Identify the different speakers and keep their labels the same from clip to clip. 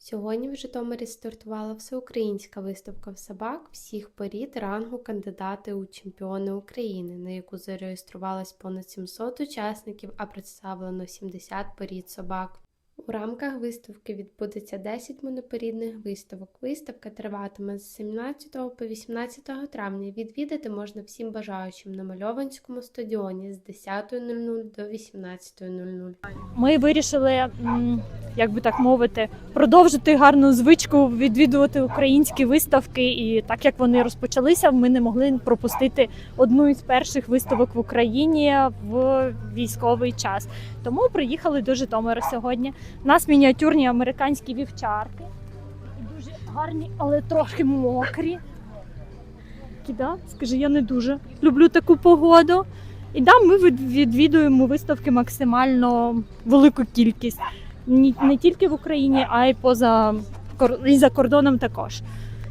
Speaker 1: Сьогодні в Житомирі стартувала всеукраїнська виставка собак всіх порід рангу кандидати у чемпіони України, на яку зареєструвалось понад 700 учасників, а представлено 70 порід собак. У рамках виставки відбудеться 10 монопорідних виставок. Виставка триватиме з 17 по 18 травня. Відвідати можна всім бажаючим на Мальованському стадіоні з 10:00 до 18:00.
Speaker 2: Ми вирішили, як би так мовити, продовжити гарну звичку відвідувати українські виставки. І так як вони розпочалися, ми не могли пропустити одну із перших виставок в Україні в військовий час. Тому приїхали до Житомира сьогодні. У нас мініатюрні американські вівчарки. І дуже гарні, але трохи мокрі. Да? Скажи, я не дуже люблю таку погоду. І да, ми відвідуємо виставки максимально велику кількість. Не тільки в Україні, а й за кордоном також.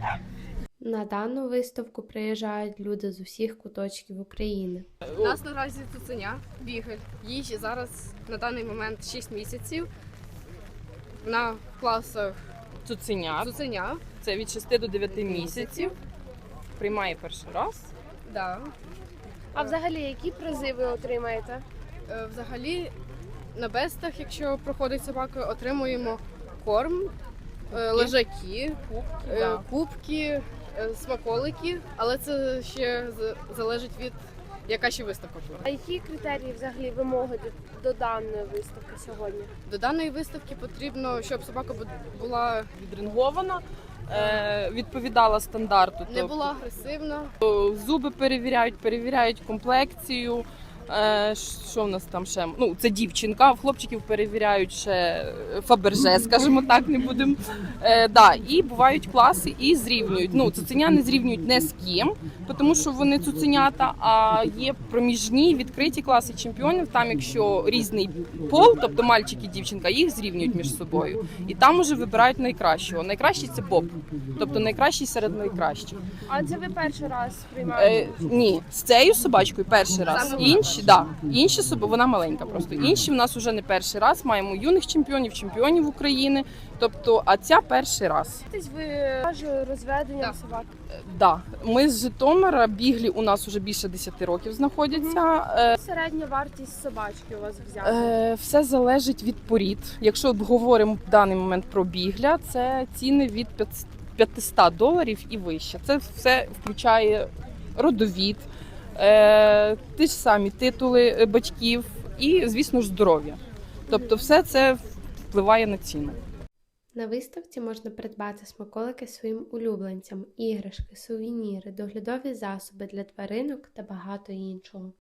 Speaker 1: На дану виставку приїжджають люди з усіх куточків України.
Speaker 3: У нас наразі цуценя, бігель. Їй зараз на даний момент 6 місяців. Вона в класах цуценя.
Speaker 4: Це від 6 до 9 місяців. Приймає перший раз.
Speaker 3: Да.
Speaker 5: А взагалі, які призи ви отримаєте?
Speaker 3: Взагалі на бестах, якщо проходить собака, отримуємо корм, лежаки, кубки, смаколики, але це ще залежить від яка ще виставка буде.
Speaker 5: А які критерії взагалі вимоги до даної виставки сьогодні?
Speaker 3: До даної виставки потрібно, щоб собака була
Speaker 4: Відрингована, відповідала стандарту.
Speaker 3: не була агресивна.
Speaker 4: Зуби перевіряють комплекцію. Що в нас там ще? Ну, це дівчинка, в хлопчиків перевіряють ще Фаберже, скажімо так, не будемо. І бувають класи і зрівнюють. Ну, цуценя не зрівнюють не з ким, тому що вони цуценята, а є проміжні відкриті класи чемпіонів. Там, якщо різний пол, тобто мальчик і дівчинка, їх зрівнюють між собою. І там уже вибирають найкращого. Найкращий – це боб, тобто найкращий серед найкращих.
Speaker 5: А це ви перший раз приймаєте?
Speaker 4: Ні, з цією собачкою перший раз. Інші собаки, вона маленька просто. Інші в нас вже не перший раз. Маємо юних чемпіонів України. Тобто, а ця перший раз.
Speaker 5: Ви розведення собак?
Speaker 4: Да. Ми з Житомира, біглі у нас вже більше 10 років знаходяться.
Speaker 5: Середня вартість собачки у вас взяти?
Speaker 4: Все залежить від порід. Якщо говоримо в даний момент про бігля, це ціни від $500 і вище. Це все включає родовід, ті ж самі титули батьків і, звісно ж, здоров'я. Тобто все це впливає на ціну.
Speaker 1: На виставці можна придбати смаколики своїм улюбленцям, іграшки, сувеніри, доглядові засоби для тваринок та багато іншого.